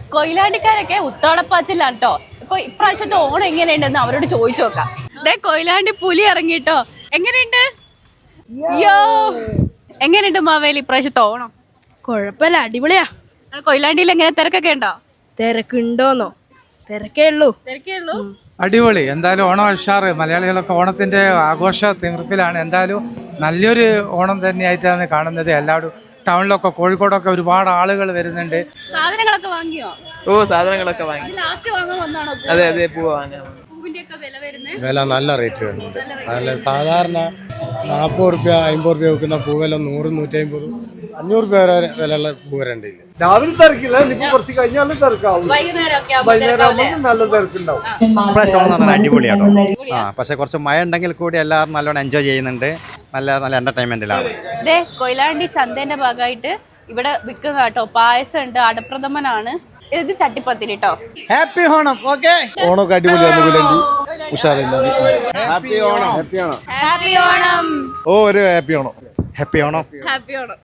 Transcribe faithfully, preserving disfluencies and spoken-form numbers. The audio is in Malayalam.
കൊയിലാണ്ടിക്കാരൊക്കെ ഉത്രാടപ്പാച്ചിലാണ് കേട്ടോ. ഇപ്പൊ ഇപ്രാവശ്യത്തെ ഓണം എങ്ങനെയുണ്ടെന്ന് അവരോട് ചോദിച്ചു നോക്കാം. ദേ കൊയിലാണ്ടി പുലി ഇറങ്ങിട്ടോ. എങ്ങനെയുണ്ട്? യോ എങ്ങനെയുണ്ട് മാവേലി ഇപ്രാവശ്യത്തെ ഓണം? കൊഴപ്പല്ല, അടിപൊളിയാ. കൊയിലാണ്ടിയിൽ എങ്ങനെ തിരക്കൊക്കെ ഉണ്ടോ? തിരക്കുണ്ടോന്നോ? തിരക്കേ ഉള്ളൂ. തിരക്കേ ഉള്ളൂ. അടിപൊളി. എന്തായാലും ഓണം ഉഷാറ്. മലയാളികളൊക്കെ ഓണത്തിന്റെ ആഘോഷ തീർപ്പിലാണ്. എന്തായാലും നല്ലൊരു ഓണം തന്നെയായിട്ടാണ് കാണുന്നത്. എല്ലാവരും ടൗണിലൊക്കെ കോഴിക്കോടൊക്കെ ഒരുപാട് ആളുകൾ വരുന്നുണ്ട്. സാധനങ്ങളൊക്കെ വാങ്ങിയോ? ഓ സാധനങ്ങളൊക്കെ വാങ്ങി. ലാസ്റ്റ് വാങ്ങാൻ വന്നാണോ? അതെ അതെ പൂവ് വാങ്ങാൻ. പൂവിന്റെ ഒക്കെ വില വരുന്നത് വില നല്ല റേറ്റ് വരുന്നുണ്ട്. നല്ല സാധാരണ നാൽപ്പത് റുപ്യ അമ്പത് റുപ്യ വെക്കുന്ന പൂവെല്ലാം നൂറ് നൂറ്റമ്പത് അഞ്ഞൂറ് രൂപ വരെ വിലയുള്ള പൂ വരണ്ട്. രാവിലെ തിരക്കില്ല, ഇനിയിപ്പോ കുറച്ച് കഴിഞ്ഞാലും തിരക്കാവും. വൈകുന്നേരം ആകുമ്പോൾ നല്ല തിരക്കുണ്ടാവും. ഇപ്രാവശ്യം അടിപൊളിയാണോ? ആ പക്ഷെ കുറച്ച് മഴ ഉണ്ടെങ്കിൽ കൂടി എല്ലാവരും നല്ലോണം എൻജോയ് ചെയ്യുന്നുണ്ട്. നല്ല നല്ല എന്റർടൈൻമെന്റിലാണ്. ഇതേ കൊയിലാണ്ടി ചന്തേന്റെ ഭാഗമായിട്ട് ഇവിടെ വിൽക്കുന്ന കേട്ടോ. പായസം ഉണ്ട്, അടപ്രഥമനാണ്. ഇത് ചട്ടിപ്പത്തിരി കേട്ടോ. ഹാപ്പി ഓണം. ഓക്കെ, ഓണമൊക്കെ അടിപൊളിയാണ്. ഉഷാറില്ല. Happy Onam. Happy Onam. Happy Onam. ഓ ഒരു happy Onam. Happy Onam. Happy Onam.